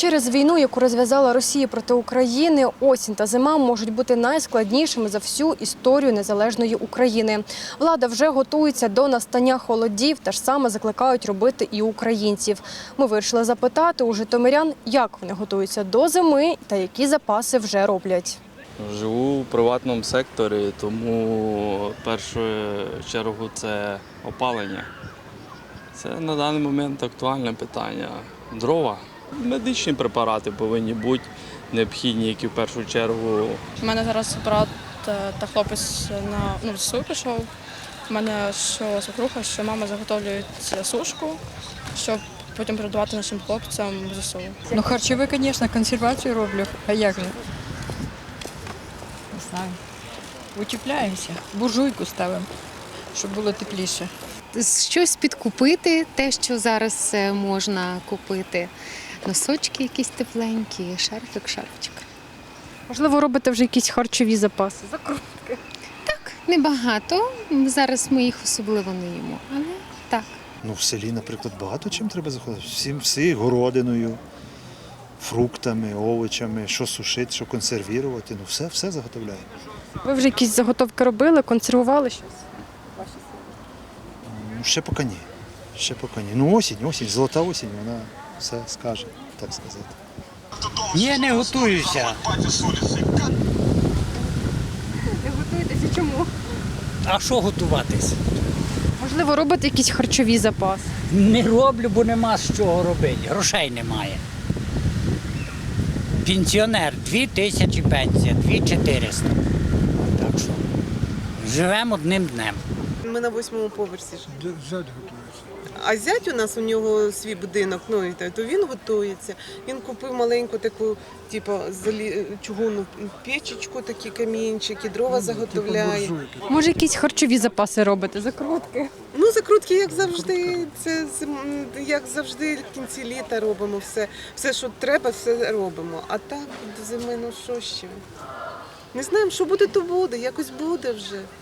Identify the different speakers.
Speaker 1: Через війну, яку розв'язала Росія проти України, осінь та зима можуть бути найскладнішими за всю історію незалежної України. Влада вже готується до настання холодів, те ж саме закликають робити і українців. Ми вирішили запитати у житомирян, як вони готуються до зими та які запаси вже роблять.
Speaker 2: Живу в приватному секторі, тому в першу чергу це опалення. Це на даний момент актуальне питання. Дрова. Медичні препарати повинні бути необхідні, які в першу чергу.
Speaker 3: У мене зараз брат та хлопець на ЗСУ пішов. У мене що свекруха, що мама заготовлюють сушку, щоб потім передавати нашим хлопцям в ЗСУ.
Speaker 4: Ну, харчове, звісно, консервацію роблю. А як же? Не знаю. Утепляємося. Буржуйку ставимо, щоб було тепліше.
Speaker 5: Щось підкупити, те, що зараз можна купити. Носочки якісь тепленькі, шарфик.
Speaker 1: Можливо, робите вже якісь харчові запаси?
Speaker 5: Так, небагато. Зараз ми їх особливо не їмо, але так.
Speaker 6: Ну, в селі, наприклад, багато чим треба заходити. Всі городиною, фруктами, овочами, що сушити, що консервувати. Ну, все заготовляємо.
Speaker 1: Ви вже якісь заготовки робили, консервували щось?
Speaker 6: Ну, ще поки ні. Ну, осінь, золота осінь, вона все скаже, так сказати.
Speaker 7: Ні, не готуюся.
Speaker 1: Не готуєтеся чому?
Speaker 7: А що готуватись?
Speaker 1: Можливо, робите якісь харчові запаси?
Speaker 7: Не роблю, бо нема з чого робити. Грошей немає. Пенсіонер 2000 пенсія, 2400. Так що живемо одним днем.
Speaker 8: Ми на 8-му поверсі. А зять у нього свій будинок, ну, то він готується. Він купив маленьку таку, типу, чугунну печечку, такі камінчики, дрова заготовляє.
Speaker 1: Може, якісь харчові запаси робите? Закрутки?
Speaker 8: Ну, закрутки, як завжди, як завжди, в кінці літа робимо все. Все, що треба, все робимо. А так, до зими, ну що ще? Не знаємо, що буде, то буде, якось буде вже.